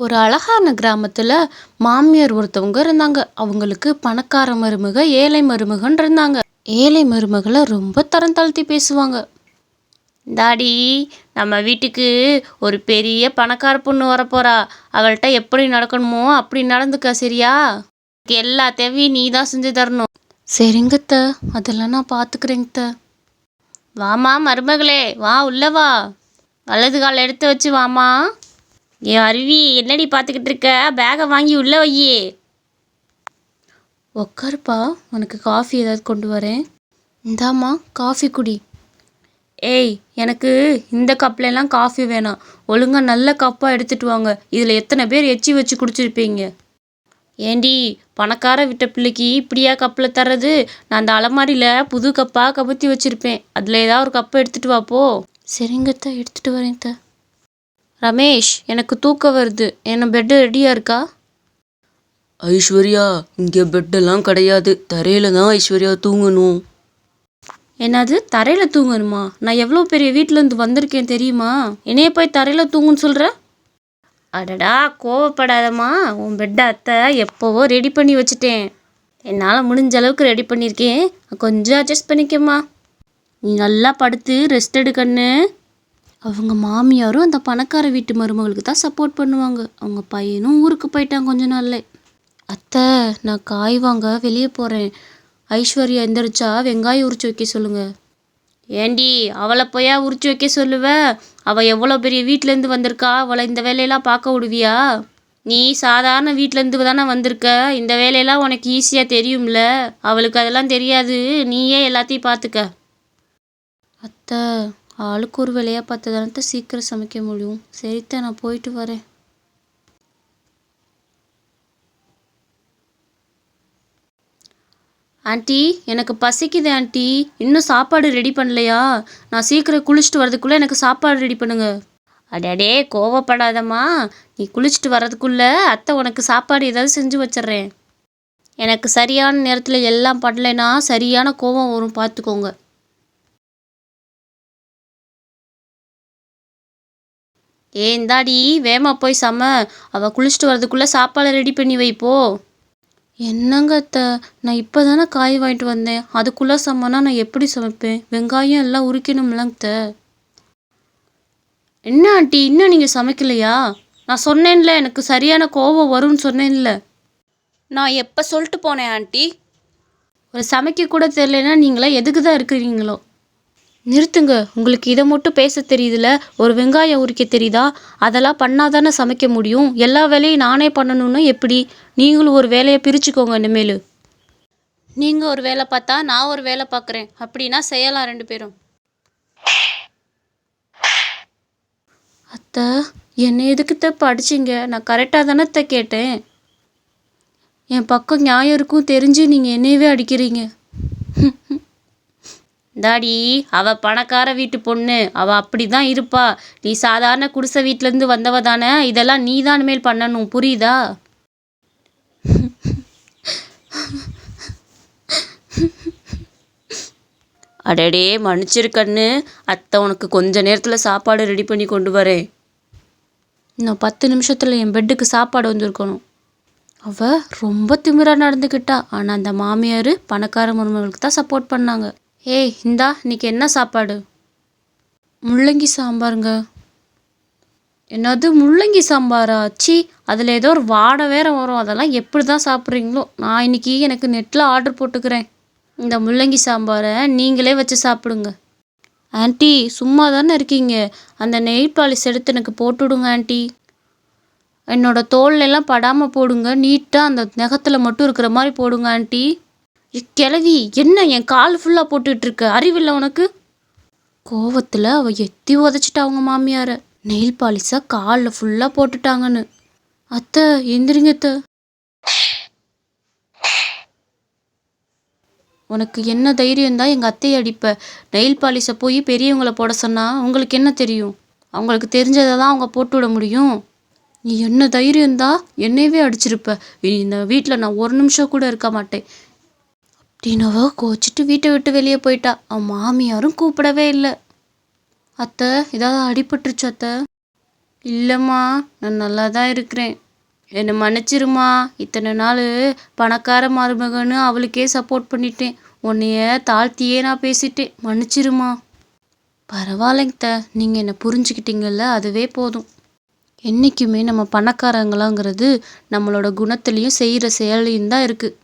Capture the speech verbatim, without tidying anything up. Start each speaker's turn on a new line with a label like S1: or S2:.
S1: ஒரு அழகான கிராமத்துல மாமியார் ஒருத்தவங்க இருந்தாங்க. அவங்களுக்கு பணக்கார மருமக, ஏழை மருமகன் இருந்தாங்க. ஏழை மருமகளை ரொம்ப தரம் தாழ்த்தி பேசுவாங்க. டாடி, நம்ம வீட்டுக்கு ஒரு பெரிய பணக்கார பொண்ணு வரப்போறா. அவள்கிட்ட எப்படி நடக்கணுமோ அப்படி நடந்துக்க, சரியா? எல்லா தேவையும் நீ தான் செஞ்சு தரணும். சரிங்கத்த, அதெல்லாம் நான் பார்த்துக்கிறேங்கத்த. வாமா மருமகளே, வா உள்ள வா. வலது கால் எடுத்து வச்சு வாமா. ஏ அருவி, என்னடி பார்த்துக்கிட்டு இருக்க? பேகை வாங்கி உள்ள வையே. உக்காருப்பா, உனக்கு காஃபி ஏதாவது கொண்டு வரேன். இந்தாம்மா காஃபி குடி. ஏய், எனக்கு இந்த கப்லெல்லாம் காஃபி வேணாம். ஒழுங்காக நல்ல கப்பாக எடுத்துகிட்டு வாங்க. இதில் எத்தனை பேர் எச்சி வச்சு குடிச்சிருப்பீங்க? ஏண்டி, பணக்கார விட்ட பிள்ளைக்கு இப்படியா கப்பில் தர்றது? நான் அந்த அலமாரியில் புது கப்பாக கபத்தி வச்சுருப்பேன். அதில் ஏதாவது ஒரு கப்பை எடுத்துகிட்டு வாப்போ. சரிங்கத்த, எடுத்துகிட்டு வரேன் த. ரமேஷ், எனக்கு தூக்கம் வருது. என்ன பெட்டு ரெடியாக இருக்கா?
S2: ஐஸ்வர்யா, இங்கே பெட்டெல்லாம் கிடையாது. தரையில தான் ஐஸ்வர்யா தூங்கணும்.
S1: என்னது, தரையில் தூங்கணுமா? நான் எவ்வளோ பெரிய வீட்டிலேருந்து வந்திருக்கேன் தெரியுமா? என்னைய போய் தரையில் தூங்குன்னு சொல்கிற? அடடா, கோவப்படாதம்மா. உன் பெட்டை அத்தை எப்போவோ ரெடி பண்ணி வச்சுட்டேன். என்னால் முடிஞ்ச அளவுக்கு ரெடி பண்ணியிருக்கேன். கொஞ்சம் அட்ஜஸ்ட் பண்ணிக்கம்மா. நீ நல்லா படுத்து ரெஸ்ட் எடுக்கன்னு. அவங்க மாமியாரும் அந்த பணக்கார வீட்டு மருமகளுக்கு தான் சப்போர்ட் பண்ணுவாங்க. அவங்க பையனும் ஊருக்கு போயிட்டான் கொஞ்ச நாள்ல. அத்தை, நான் காய் வாங்க வெளியே போகிறேன். ஐஸ்வர்யா எந்திரிச்சா வெங்காயம் உரிச்சு வைக்க சொல்லுங்க. ஏண்டி, அவளை போயா உரிச்சு வைக்க சொல்லுவ? அவள் எவ்வளோ பெரிய வீட்டிலேருந்து வந்திருக்கா. அவளை இந்த வேலையெல்லாம் பார்க்க விடுவியா? நீ சாதாரண வீட்டிலேருந்து தானே வந்திருக்க. இந்த வேலையெல்லாம் உனக்கு ஈஸியாக தெரியும்ல. அவளுக்கு அதெல்லாம் தெரியாது. நீயே எல்லாத்தையும் பார்த்துக்க. அத்தை, ஆளுக்கு ஒரு வேலையாக பார்த்து தானே சீக்கிரம் சமைக்க முடியும். சரித்த, நான் போயிட்டு வரேன். ஆண்டி, எனக்கு பசிக்குது ஆண்டி. இன்னும் சாப்பாடு ரெடி பண்ணலையா? நான் சீக்கிரம் குளிச்சுட்டு வரதுக்குள்ளே எனக்கு சாப்பாடு ரெடி பண்ணுங்க. அடடே, கோவப்படாதம்மா. நீ குளிச்சுட்டு வர்றதுக்குள்ளே அத்தை உனக்கு சாப்பாடு ஏதாவது செஞ்சு வச்சிட்றேன். எனக்கு சரியான நேரத்தில் எல்லாம் பண்ணலைன்னா சரியான கோவம் வரும், பார்த்துக்கோங்க. ஏ இந்தாடி, வேமா போய் சம. அவள் குளிச்சுட்டு வரதுக்குள்ளே சாப்பாடை ரெடி பண்ணி வைப்போ. என்னங்க அத்தை, நான் இப்போ தானே காய் வாங்கிட்டு வந்தேன். அதுக்குள்ளே சமைனா நான் எப்படி சமைப்பேன்? வெங்காயம் எல்லாம் உரிக்கணும்லங்க அத்தை. என்ன ஆண்டி, இன்னும் நீங்கள் சமைக்கலையா? நான் சொன்னேன்ல, எனக்கு சரியான கோபம் வரும்னு சொன்னேன்ல. நான் எப்போ சொல்லிட்டு போனேன் ஆண்டி? ஒரு சமைக்க கூட தெரியலன்னா நீங்களா எதுக்கு தான் இருக்கிறீங்களோ? நிறுத்துங்க. உங்களுக்கு இதை மட்டும் பேச தெரியுதுல, ஒரு வெங்காயம் உரிக்க தெரியுதா? அதெல்லாம் பண்ணாதானே சமைக்க முடியும். எல்லா வேலையும் நானே பண்ணணும்னா எப்படி? நீங்களும் ஒரு வேலையை பிரிச்சுக்கோங்க இனிமேல். நீங்கள் ஒரு வேலை பார்த்தா நான் ஒரு வேலை பார்க்குறேன். அப்படின்னா செய்யலாம் ரெண்டு பேரும். அத்தை, என்னை எதுக்குத்த படிச்சிங்க? நான் கரெக்டாக தானே கேட்டேன். என் பக்கம் நியாயம் இருக்கும் தெரிஞ்சு நீங்கள் என்னையவே அடிக்கிறீங்க. டாடி, அவள் பணக்கார வீட்டு பொண்ணு. அவள் அப்படி தான் இருப்பா. நீ சாதாரண குடிசை வீட்டிலேருந்து வந்தவ தானே. இதெல்லாம் நீ தான் மேல் பண்ணணும், புரியுதா? அடடே, மன்னிச்சிருக்கண்ணு. அத்தை உனக்கு கொஞ்ச நேரத்தில் சாப்பாடு ரெடி பண்ணி கொண்டு வரேன். இன்னும் பத்து நிமிஷத்தில் என் பெட்டுக்கு சாப்பாடு வந்திருக்கணும். அவள் ரொம்ப திமிராக நடந்துக்கிட்டா. ஆனால் அந்த மாமியார் பணக்கார மருமகளுக்கு தான் சப்போர்ட் பண்ணாங்க. ஏய் இந்தா, இன்னைக்கு என்ன சாப்பாடு? முள்ளங்கி சாம்பாருங்க. என்னது, முள்ளங்கி சாம்பாரா? சி, அதில் ஏதோ ஒரு வாடை வேற வரும். அதெல்லாம் எப்படி தான் சாப்பிட்றீங்களோ. நான் இன்னைக்கு எனக்கு நெட்டில் ஆர்டர் போட்டுக்கிறேன். இந்த முள்ளங்கி சாம்பாரை நீங்களே வச்சு சாப்பிடுங்க. ஆண்டி, சும்மா தானே இருக்கீங்க? அந்த நெயில் பாலிஷ் எடுத்து எனக்கு போட்டு விடுங்க ஆண்டி. என்னோட தோல்லெல்லாம் படாமல் போடுங்க. நீட்டாக அந்த நகத்தில் மட்டும் இருக்கிற மாதிரி போடுங்க ஆண்டி. கிழவி, என்ன என் கால் ஃபுல்லாக போட்டுட்ருக்க? அறிவில்லை உனக்கு? கோவத்தில் அவள் எத்தி உதச்சிட்டா அவங்க மாமியாரை. நெயில் பாலிஷாக காலில் ஃபுல்லாக போட்டுட்டாங்கன்னு. அத்தை, எந்திரிங்க அத்தை. உனக்கு என்ன தைரியம் தான் எங்கள் அத்தையை அடிப்ப? நெயில் பாலிஷை போய் பெரியவங்களை போட சொன்னால் உங்களுக்கு என்ன தெரியும்? அவங்களுக்கு தெரிஞ்சதை தான் அவங்க போட்டு விட முடியும். நீ என்ன தைரியம் தான் என்னையவே அடிச்சிருப்ப. இந்த வீட்டில் நான் ஒரு நிமிஷம் கூட இருக்க மாட்டேன். அப்படின்னவோ கோச்சிட்டு வீட்டை விட்டு வெளியே போயிட்டா. அவன் மாமியாரும் கூப்பிடவே இல்லை. அத்தை, ஏதாவது அடிபட்டுருச்சு அத்தை? இல்லைம்மா, நான் நல்லா தான் இருக்கிறேன். என்னை மன்னிச்சிருமா. இத்தனை நாள் பணக்கார மருமகன்னு அவளுக்கே சப்போர்ட் பண்ணிட்டேன். உன்னைய தாழ்த்தியே நான் பேசிட்டேன். மன்னிச்சிருமா. பரவாயில்லைங்க த, நீங்கள் என்னை புரிஞ்சுக்கிட்டீங்கல்ல, அதுவே போதும். என்றைக்குமே நம்ம பணக்காரங்களாங்கிறது நம்மளோட குணத்துலேயும் செய்கிற செயலையும் தான் இருக்குது.